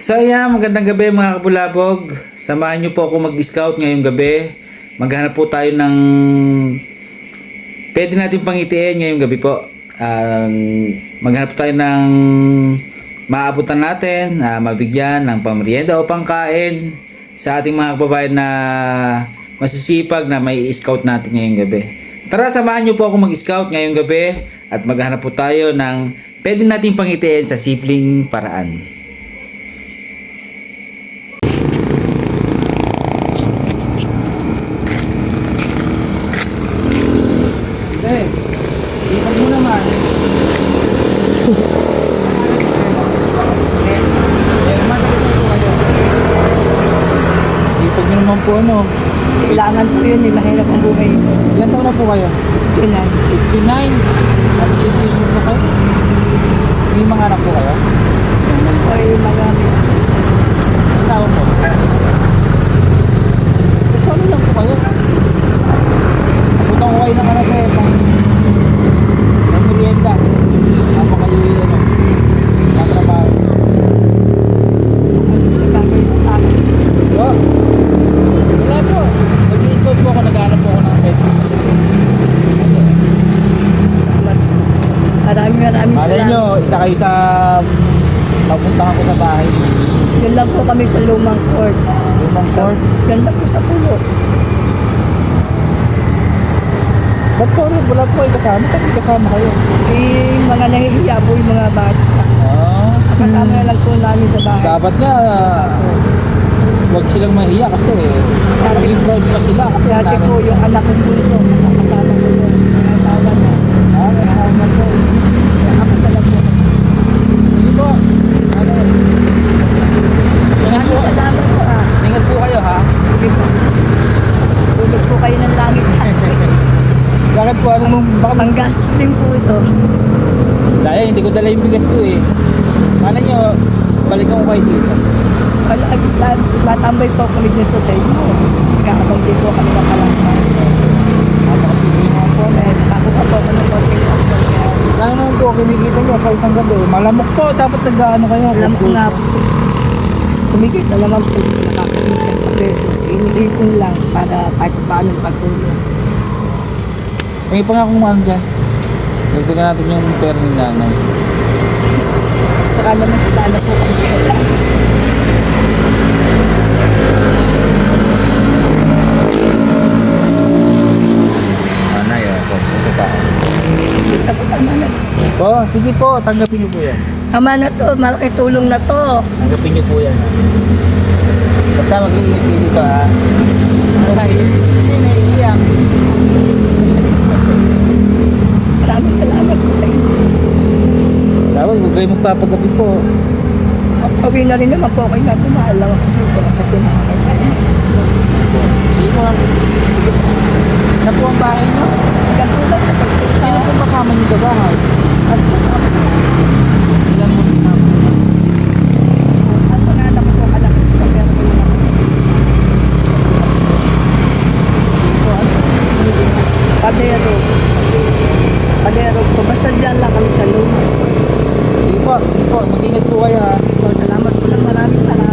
So ayan, magandang gabi mga kabulabog. Samahan niyo po ako mag-scout ngayong gabi. Maghanap po tayo ng pwede natin pangitiin ngayong gabi po. Maghanap tayo ng maabutan natin, mabigyan ng pamerienda o pangkain sa ating mga kababayan na masisipag na may scout natin ngayong gabi. Tara, samahan niyo po ako mag-scout ngayong gabi at maghanap po tayo ng pwede natin pangitiin sa simpleng paraan. Ipag mo naman. Sipag nyo naman po ano. Kailangan po yun, mahirap ang buhay. Ilan taon na po kayo? Yun lang. 59. At sisipag po kayo? May mga anak po kayo? Yan po ay marami. Asawa po? Asawa lang po kayo? Putang ko kayo ng anak eh. Pang merienda. Ako kayo yun ano. Natrabaho. Nagkakaroon na sa akin. Oh. Wala po. Nag-i-scout po ako. Naghanap po ako ng pwede. Maraming Malay nyo, isa kayo sa papuntahan ko sa bahay. Yun lang po kami sa lumang court. Lumang fort. Yan lang po sa pulo. Ba't sorry, wala po kayo kasama? Ba't may kasama kayo? Mga nahihiya po yung mga bata. Ah, Kasama na lang po namin sa bahay. dapat nga huwag silang mahiya kasi maging proud pa sila kasi Dati po yung anak ng puso, kasama ko yun. Mga asawa na. may kasama po. Ako talaga po. Sige po. Ano? Ingat po. Maraming salamat po Ingat po kayo ha. Sige po. Tulog po kayo ng langit sa akin. Bakit po? Ano mong baka Panggastos din po ito. dahil hindi ko dala yung bigas ko eh. Malay nyo, balikan ko kayo dito. Matambay po kami dyan sa inyo. Nagkakabang din po kami ng kalangkan. Napakasipin mo po. Nakuha po ako ng konting passport. Ano naman po, kinikita nyo sa isang gabi. Malamok po, dapat nag-ano kayo. Alam ko nga po. Kumigit na naman po. Nakakasikat pa pesos. Iniipon lang para kahit paano pagtulong. May pa nga kung ano dyan. Dagdagan natin yung pera ni nanay. Saka naman sana po kami sa kanya. Nanay, ako. Ito pa. Kita po tama na. Po, sige po, tanggapin niyo po yan. Tama na to. Malaki tulong na to. Tanggapin niyo po yan. Basta mag-iingat kayo dito ha. Okay. Hindi naiiyak. Maraming salamat po sa inyo. Dapat huwag kayo magpapagabi po. Pagpawin na rin naman po kayo na tumaalang ako dito kasi nakakaya. Sige po. Sige po. Saan po ang bahay niyo? Yan po lang sa pagsisa. Sino po kasama niyo sa bahay? At po ako. Ilan mo kasama? Ang mga anak ko, anak ko, pero ko yung Sige po, ano? padero. Padero po. Basta dyan lang kami sa loob. Sige po, mag-ingat po kayo ha. So, salamat po lang. Maraming salamat.